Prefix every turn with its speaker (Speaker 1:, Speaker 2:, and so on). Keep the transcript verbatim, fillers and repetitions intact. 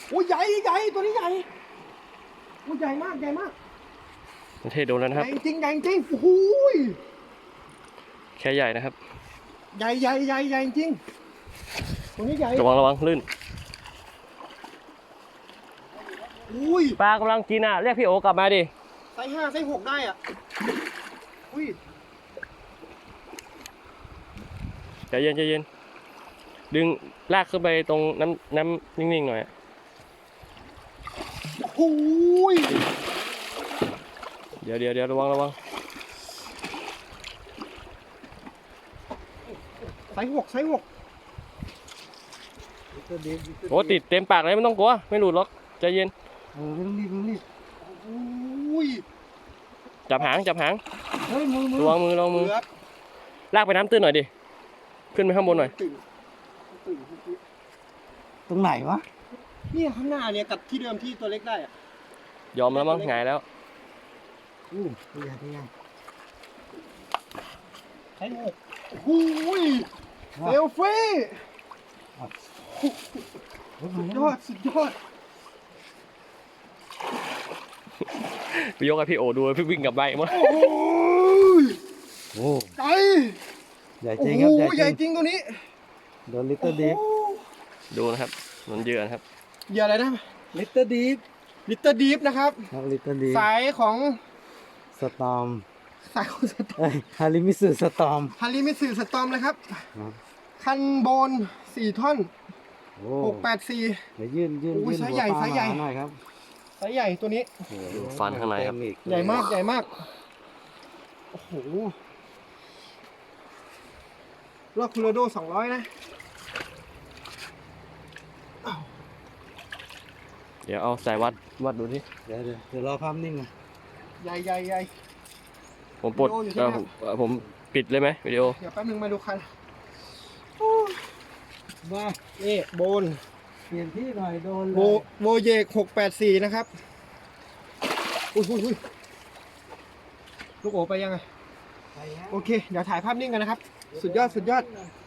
Speaker 1: โอ้ยใหญ่ใหญ่ตัวนี้ใหญ่โอ้ยใหญ่มากใหญ่มาก
Speaker 2: ประเทศโดนแล้วนะครับ
Speaker 1: ใหญ่จริงใหญ่จริงโอ้โห
Speaker 2: แค่ใหญ่นะครับ
Speaker 1: ใหญ่ใหญ่ใหญ่ใหญ่จริงตัวนี้ใหญ่
Speaker 2: ระวังระวังลื่น
Speaker 1: อุ้ย
Speaker 2: ปลากำลังกินอ่ะเรียกพี่โอกลับมาดิ
Speaker 1: ไซส์ห้าไซส์หกได้อ่ะอุ้ย
Speaker 2: ใจเย็นใจเย็นดึงลากขึ้นไปตรงน้ำน้ำนิ่งๆหน่อย
Speaker 1: โอ้ย
Speaker 2: เดี๋ยวเดี๋ยวเดี๋ยวระวังระวัง
Speaker 1: ไซส์หกไซส์หก
Speaker 2: โอ้ติดเต็มปากเลยไม่ต้องกลัวไม่หลุดหรอกใจเย็น
Speaker 1: เออไม่ต้องรีบไม่ต้องรีบอุ้ย
Speaker 2: จับหางจับหาง
Speaker 1: เฮ้ยมือมือ
Speaker 2: ระวังมือระวังมือลากไปน้ำตื้นหน่อยดิขึ้นไปข้างบนหน่อย
Speaker 1: ตรงไหนวะเนี่ยข้างหน้าเนี่ยกับที่เดิมที่ตัวเล็กได้อะ
Speaker 2: ยอมแล้วมั้งหงายแล้ว
Speaker 1: อู้ตัวใหญ่ตัวใหญ่ไอ้หกหูยเซลฟี่สุดยอดสุดยอด
Speaker 2: ไปยกให้พี่โอดูพี่วิ่งกลับไปมั้ง
Speaker 1: โอ้ย
Speaker 3: โอ้
Speaker 1: ใหญ่
Speaker 3: ใหญ่จริงครับ
Speaker 1: ใหญ่จริงตัวนี้
Speaker 3: โดนลิตเติ้ลดีฟ
Speaker 2: ดูนะครับมันเยอะนะครับ
Speaker 1: เหยื่ออะไรนะ
Speaker 3: ลิตเติ้ลดีฟ
Speaker 1: ลิตเติ้ลดีฟนะครับ
Speaker 3: ลิตเติ้ลดีฟ
Speaker 1: สายของ
Speaker 3: สตอม
Speaker 1: สายของสตอม
Speaker 3: ฮาริมิสึสตอม
Speaker 1: ฮาริมิสึสตอมเลยครับคันโบนสี่ท่อนหกแปดสี่
Speaker 3: เดี๋ยวยื่นยื่นยื่นหัวปลาหน่อยครับ
Speaker 1: ไซส์ใหญ่ตัวนี้
Speaker 2: ฟันข้างในครับ
Speaker 1: ใหญ่มากใหญ่มากโอ้โหรอบคูโรโดสองร้อยนะ
Speaker 2: เดี๋ยวเอาสายวัดวัดดูดิ
Speaker 3: เดี๋ยวเดี๋ยวเดี๋ยวรอภาพนิ่งอ่ะ
Speaker 1: ใหญ่ใหญ่ใหญ่
Speaker 2: ผมปลดเออผมผมปิดเลยไหมวิดีโอ
Speaker 1: เดี๋ยวแป๊บนึงมาดูคันว่านี่โบน
Speaker 3: เปลี่ยนที่หน่อยโดน
Speaker 1: โบโบเยกหกแปดสี่นะครับอุ้ยอุ้ยอุ้ยลูกโอไปยังไงโอเคเดี๋ยวถ่ายภาพนิ่งกันนะครับสุดยอดสุดยอด